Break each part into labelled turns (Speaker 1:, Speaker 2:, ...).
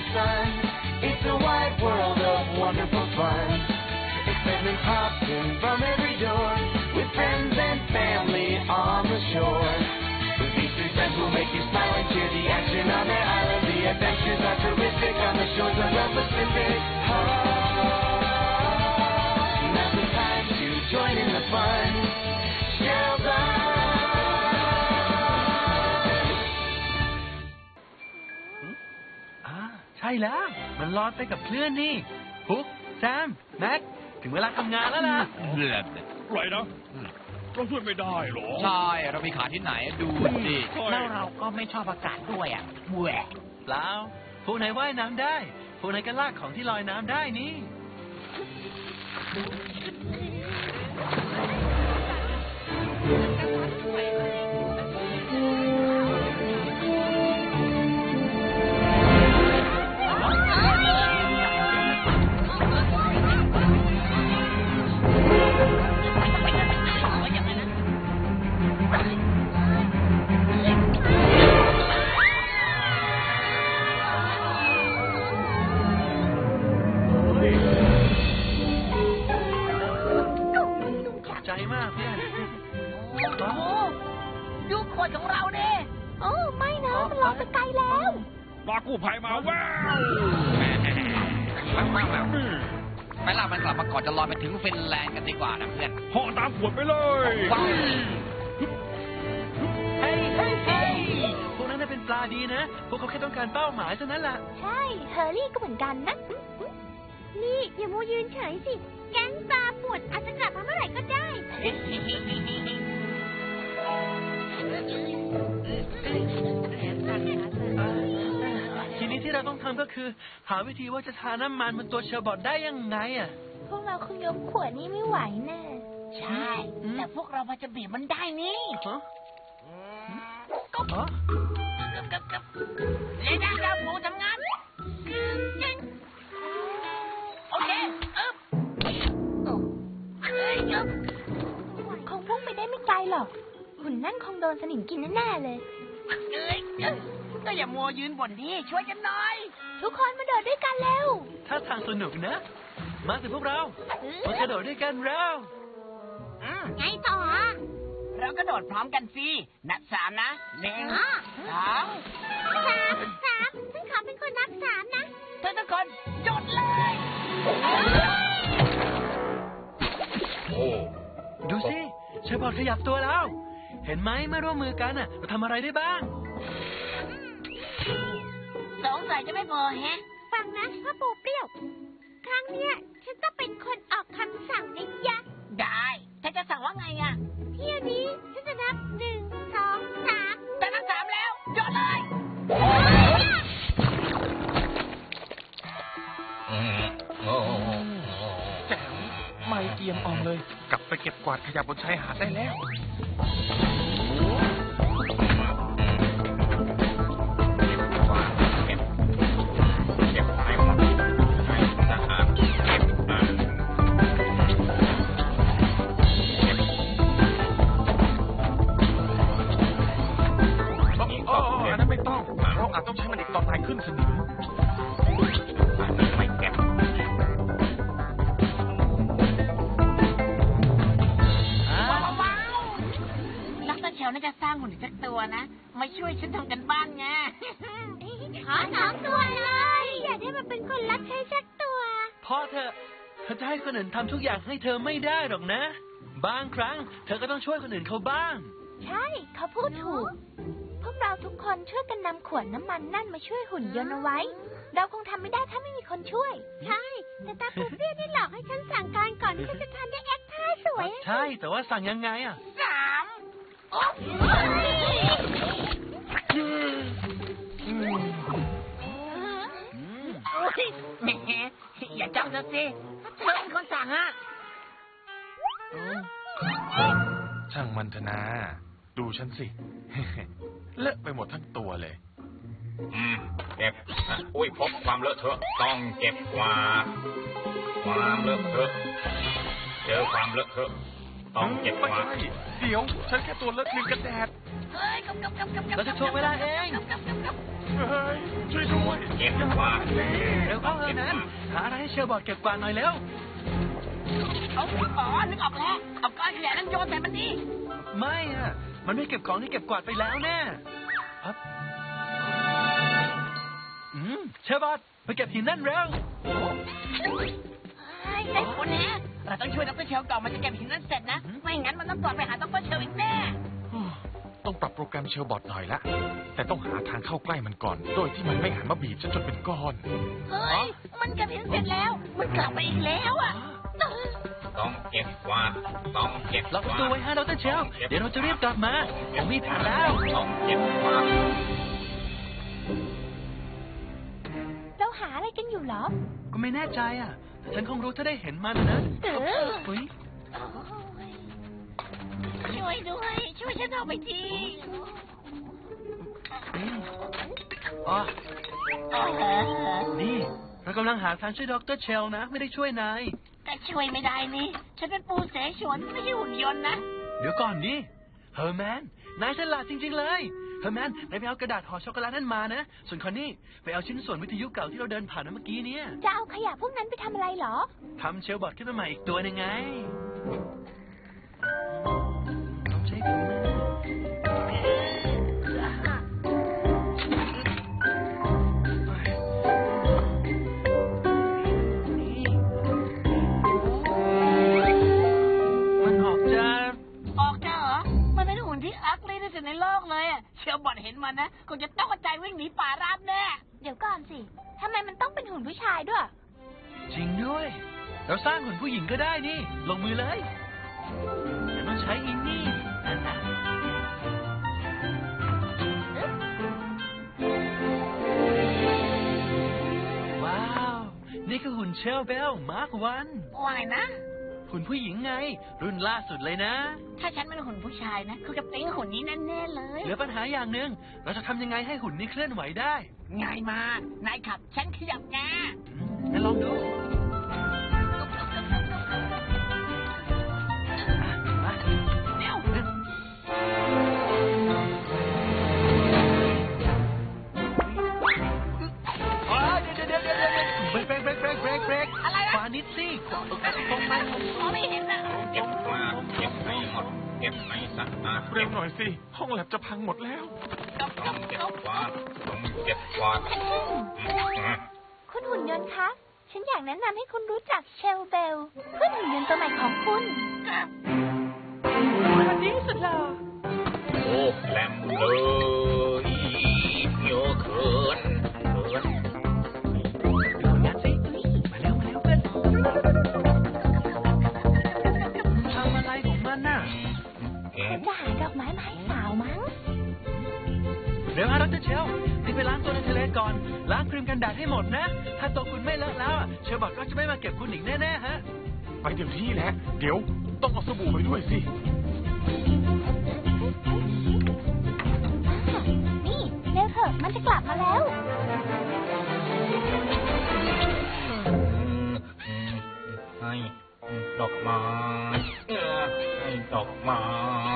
Speaker 1: sun. It's a wide world of wonderful fun. Excitement pops in from every door, with friends and family on the shore. With these three friends will make you smile and cheer. The action on their island, the adventures are terrific on the shores of the Pacific. Now's the time to join in the fun. Sheldon.
Speaker 2: ใช่แล้วมันลอยไปกับเพื่อนนี่พุกแซมแม็กถึงเวลาทำงานแล้วล่ะ
Speaker 3: ไรนะเราช่วยไม่ได้หรอ
Speaker 4: ใช่เรามีขาที่ไหนดูสิ
Speaker 5: แล้วเราก็ไม่ชอบอากาศด้วยอ่ะแหวะ
Speaker 2: เปล่าพวกไหนว่ายน้ำได้พวกไหนก็ลากของที่ลอยน้ำได้นี่
Speaker 5: ดูขวดของเราเนี่ยโอ้ไม่นะมันลอยไปไกลแล้ว
Speaker 3: รอกู้ภัยมาว้าว
Speaker 4: ไปล่ามันกลับมาก่อนจะลอยไปถึงฟินแลนด์กันดีกว่านะเพื่อน
Speaker 3: ห่อตามขวดไปเลย
Speaker 2: เฮ้ยพวกนั้นเป็นปลาดีนะพวกเขาแค่ต้องการเป้าหมายเท่านั้นแหละ
Speaker 6: ใช่เฮอร์รี่ก็เหมือนกันนะนี่อย่ามัวยืนเฉยสิแก๊งปลาป่วนอาจจะกลับมาเมื่อไหร่ก็ได้
Speaker 2: ทีนี้ที่เราต้องทำก็คือหาวิธีว่าจะทาน้ำมันบนตัวเชอร์บอทได้ยังไงอ่ะ
Speaker 6: พวกเราคงยกขวดนี้ไม่ไหวแน่
Speaker 5: ใช่แต่พวกเราพอจะบีบมันได้นี่ก็เลยนะเราหมูทำงานโอเค
Speaker 6: คงพุ่งไปได้ไม่ไกลหรอกหุ่นนั่นคงโดนสนิมกินแน่ๆเลย
Speaker 5: ก็อย่ามัวยืนบ่นดิช่วยกันหน่อย
Speaker 6: ทุกคนมาโดดด้วยกันเร็ว
Speaker 2: ถ้าทางสนุกนะมาสิพวกเรามากระโดดด้วยกันแล้ว
Speaker 6: ไงต่อ
Speaker 5: เรากระโดดพร้อมกันสินับ3นะ1 2
Speaker 6: 3ฉันขอเป็นคนนับ3นะ
Speaker 5: ทุกคนโดดเลย
Speaker 2: ดูสิเชอร์บอทขยับตัวแล้วเห็นไหมเมื่อร่วมมือกันน่ะเราทำอะไรได้บ้าง
Speaker 5: สงสัยจะไม่พอแฮะ
Speaker 6: ฟังนะพ่อปูเปรี้ยวครั้งเนี้ยฉันต้องเป็นคนออกคำสั่งนะยะ
Speaker 5: ได้ฉันจะสั่งว่าไงอ่ะ
Speaker 6: เที่ยวนี้ฉันจะนับ1 2 3
Speaker 5: แต่นับ3แล้วโยนเลย
Speaker 3: แจ๋วไม่เกียมอ่องเลยกลับไปเก็บกวาดขยะบนชายหาดได้แล้วต้องใช้มันอีกตอนนายขึ้นสนิมไม่เก็บ
Speaker 5: ว้าวนักตะเขียวน่าจะสร้างหุ่นสักตัวนะมาช่วยฉันทำกันบ้านไง
Speaker 6: ขอ2 ตัวเลยอย่าได้มาเป็นคนรับใช้สักตัว
Speaker 2: พ่อเธอจะให้คนอื่นทำทุกอย่างให้เธอไม่ได้หรอกนะบางครั้งเธอก็ต้องช่วยคนอื่นเขาบ้าง
Speaker 6: ใช่เขาพูดถูกพวกเราทุกคนช่วยกันนำขวดน้ำมันนั่นมาช่วยหุ่นยนต์เอาไว้เราคงทำไม่ได้ถ้าไม่มีคนช่วยใช่แต่ตาปูเปรี้ยวนี่หลอกให้ฉันสั่งการก่อนที่ฉันจะทำได้แอคท่าสวย
Speaker 2: ใช่แต่ว่าสั่งยังไงอ่ะ
Speaker 5: 3โอ้ยแหมอย่าจ้องซะสิเธอเป็นคนสั่งอ่ะ
Speaker 3: ช่างมันเถอะนะดูฉันสิเลอะไปหมดทั้งตัวเลย
Speaker 7: เก็บอุ้ยพบความเลอะเทอะต้องเก็บกวาดความเลอะเทอะเจอความเลอะเทอะต้องเก็บกวาด
Speaker 3: เดี๋ยวฉันแค่ตัวเลอะครีมกันแดด
Speaker 2: เราจะโชว์เวลาเอง
Speaker 3: เฮ้ยช่วยด้วย
Speaker 7: เก็บกวาด
Speaker 2: เร็วเข้าเถอะนั้นหาอะไรให้เชลบอร์ดเก็บกวาดหน่อยเร็ว
Speaker 5: เอาอ๋อนึกออกแล้วเอาก้อนขยะนั้นโยนใส่มันดิ
Speaker 2: ไม่อะมันไม่เก็บของที่เก็บกวาดไปแล้วแน่ครับเชลบอร์ดไปเก็บหินนั่นเร็ว
Speaker 5: ได้ผลแน่เราต้องช่วยดร.เชลก่อนมันจะเก็บหินนั้นเสร็จนะไม่งั้นมันต้องกลับไปหาดร.เชลอีกแน่
Speaker 3: ต้องปรับโปรแกรมเชลบอทหน่อยละแต่ต้องหาทางเข้าใกล้มันก่อน โดยที่มันไม่หันมาบีบฉันจนเป็นก้อน
Speaker 5: เฮ้ยมันเก็บหินเสร็จแล้วมันกลับไปอีกแล้วอ่ะ
Speaker 7: ต้องเก็บกวาดต้องเก็บ
Speaker 2: ล็อกประตูไว้ฮะดร.เชลเดี๋ยวเราจะรีบกลับมาผมมีแผนแล้ว
Speaker 7: ต้องเก็บกวาด
Speaker 6: เราหาอะไรกันอยู่เหรอ
Speaker 2: ก็ไม่แน่ใจอ่ะแต่ฉันคงรู้ถ้าได้เห็นมันนะ เฮ้ย
Speaker 5: ช่วยด้วยช่วยฉันออกไปที
Speaker 2: อ๋อนี่เรากำลังหาทางช่วยดร.เชลนะไม่ได้ช่วยนาย
Speaker 5: แต่ช่วยไม่ได้นี่ฉันเป็นปูเสฉวนไม่ใช่หุ่นยนต์นะ
Speaker 2: เดี๋ยวก่อนดิเฮอร์แมนนายฉลาดจริงๆเลยเฮอร์แมนนายไปเอากระดาษห่อช็อกโกแลตนั่นมานะส่วนคอนนี่ไปเอาชิ้นส่วนวิทยุเก่าที่เราเดินผ่านเมื่อกี้เนี่ย
Speaker 6: จะเอาขยะพวกนั้นไปทำอะไรเหรอ
Speaker 2: ทำเชลบอร์ดขึ้นมาใหม่อีกตัวหนึงไงต้องใช้ถุงมือมันออกจะ
Speaker 5: ออกจ้าเหรอมันเป็นหุ่นที่อักลี่ที่สุดในโลกเลยอะเชลบอดเห็นมันนะคงจะต้องกระจายวิ่งหนีป่าราบแน่
Speaker 6: เดี๋ยวก่อนสิทำไมมันต้องเป็นหุ่นผู้ชายด้วย
Speaker 2: จริงด้วย เราสร้างหุ่นผู้หญิงก็ได้นี่ ลงมือเลยแต่ต้องใช้อินนี่นั่นนะว้าว นี่คือหุ่นเชลเบลมาร์ควัน
Speaker 5: ว่าไงนะ
Speaker 2: หุ่นผู้หญิงไง รุ่นล่าสุดเลยนะ
Speaker 5: ถ้าฉันเป็นหุ่นผู้ชายนะคือจะปิ๊งหุ่นนี้แน่ๆเลย
Speaker 2: เหลือปัญหาอย่างหนึ่งเราจะทำยังไงให้หุ่นนี้เคลื่อนไหวได้
Speaker 5: ง่ายมากนายขับฉันขยับแก
Speaker 2: งั้นลองดูมา
Speaker 5: เร็ว
Speaker 2: อ๋อเดี๋ยวเบรก
Speaker 5: อะไรนะ
Speaker 2: ขวานิดสิตรงไป
Speaker 5: มองไม่เห็นนะ
Speaker 7: เก็บกวาดเก็บให้หมดเก็บให้สะอาด
Speaker 3: เร็วหน่อยสิ ห้องแลบจะพังหมดแล้ว
Speaker 7: ต้องเก็บกวาดต้องเก็บกวาด
Speaker 6: คุณหุ่นยนต์คะ ฉันอยากแนะนำให้คุณรู้จักเชลเบลเพื่อนหุ่นยนต์ตัวใหม่ของคุณ
Speaker 2: วันนี้สุดหล่อ
Speaker 7: โอ้แหลมเลยเยอะเกิน
Speaker 2: งั้นสิมาเร็วเพื่อนทำอะไรของมันน่ะ
Speaker 7: เก็บ
Speaker 6: จะหาดอกไม้มาให้สาวมั้ง
Speaker 2: เดี๋ยวฮะดร.เชลรีบไปล้างตัวในทะเลก่อน ล้างครีมกันแดดให้หมดนะ ถ้าตัวคุณไม่เลอะแล้วเชลบอกก็จะไม่มาเก็บคุณอีกแน่ๆฮะ
Speaker 3: ไปเดี๋ยวนี้แหละ เดี๋ยวต้องเอาสบู่ไปด้วยสิ
Speaker 6: นี่เร็วเถอะมันจะกลับมาแล้ว
Speaker 7: ให้ดอกไม้ให้ดอกไม้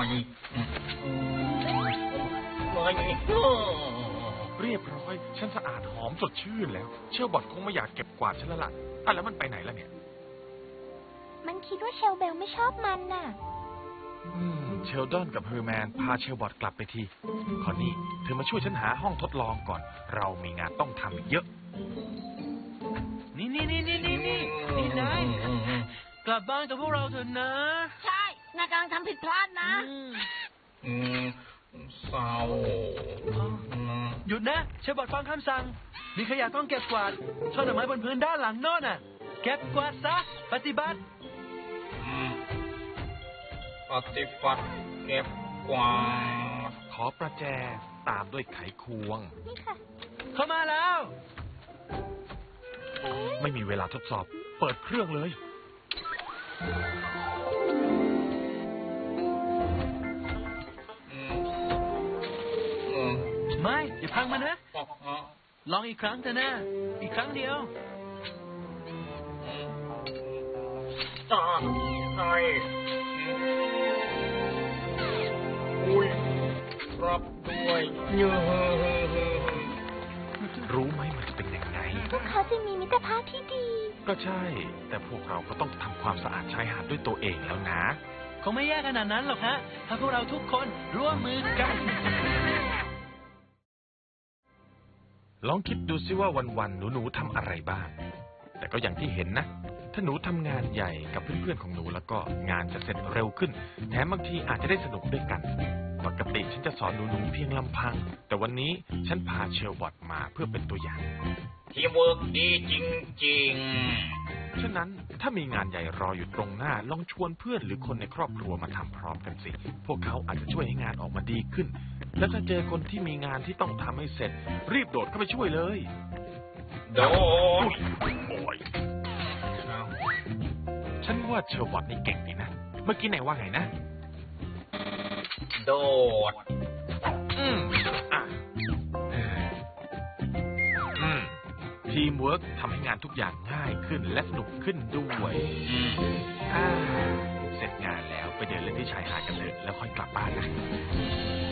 Speaker 3: เรียบร้อย ฉันสะอาดหอมสดชื่นแล้ว เชลบอทคงไม่อยากเก็บกวาดฉันแล้วล่ะแล้วมันไปไหนล่ะเนี่ย
Speaker 6: มันคิดว่าเชลเบลไม่ชอบมันน่ะ
Speaker 3: เชลดอนกับเฮอร์แมนพาเชลบอทกลับไปทีคอนนี่เธอมาช่วยฉันหาห้องทดลองก่อน เรามีงานต้องทำอีกเยอะ
Speaker 2: นี่นายกลับบ้านกับพวกเราเถอะนะ
Speaker 5: ใช่นายกำลังทำผิดพลาดนะ
Speaker 7: เศร้า
Speaker 2: หยุดนะเชลบอทฟังคำสั่ง มีขยะต้องเก็บกวาดช่อดอกไม้บนพื้นด้านหลังโน่นน่ะ เก็บกวาดซะ ปฏิบัติ
Speaker 7: ปฏิบัติเก็บกวาด
Speaker 3: ขอประแจตามด้วยไขควง
Speaker 6: นี่ค่ะ
Speaker 2: เข้ามาแล้ว
Speaker 3: ไม่มีเวลาทดสอบ เปิดเครื่องเลย
Speaker 2: ไม่อย่าพังมันนะ ลองอีกครั้งเถอะนะ อีกครั้งเดียว
Speaker 7: ใช่อุ้ยรับด้วยเยอะ
Speaker 6: เขาจะมีมิตรภาพที่ดี
Speaker 3: ก็ใช่ แต่พวกเราก็ต้องทำความสะอาดชายหาดด้วยตัวเองแล้วนะ
Speaker 2: คงไม่แย่ขนาดนั้นหรอกฮะ ถ้าพวกเราทุกคนร่วมมือกัน
Speaker 3: ลองคิดดูซิว่าวันๆหนูๆทำอะไรบ้าง แต่ก็อย่างที่เห็นนะ ถ้าหนูทำงานใหญ่กับเพื่อนๆของหนูแล้วก็งานจะเสร็จเร็วขึ้น แถมบางทีอาจจะได้สนุกด้วยกัน ปกติฉันจะสอนหนูๆเพียงลำพัง แต่วันนี้ฉันพาเชลวอตมาเพื่อเป็นตัวอย่าง
Speaker 7: ทีมเวิร์กดีจริง
Speaker 3: ฉะนั้นถ้ามีงานใหญ่รออยู่ตรงหน้าลองชวนเพื่อนหรือคนในครอบครัวมาทำพร้อมกันสิ พวกเขาอาจจะช่วยให้งานออกมาดีขึ้น และถ้าเจอคนที่มีงานที่ต้องทำให้เสร็จ รีบโดดเข้าไปช่วยเลย
Speaker 7: ๆ โดด
Speaker 3: โอ้ยฉันว่าเชลวอตนี่เก่งดีนะ เมื่อกี้ไหนว่าไงนะ
Speaker 7: โดด
Speaker 3: อ่ะทีมเวิร์กทำให้งานทุกอย่างง่ายขึ้นและสนุกขึ้นด้วย เสร็จงานแล้วไปเดินเล่นที่ชายหาดกันเถอะแล้วค่อยกลับบ้านนะ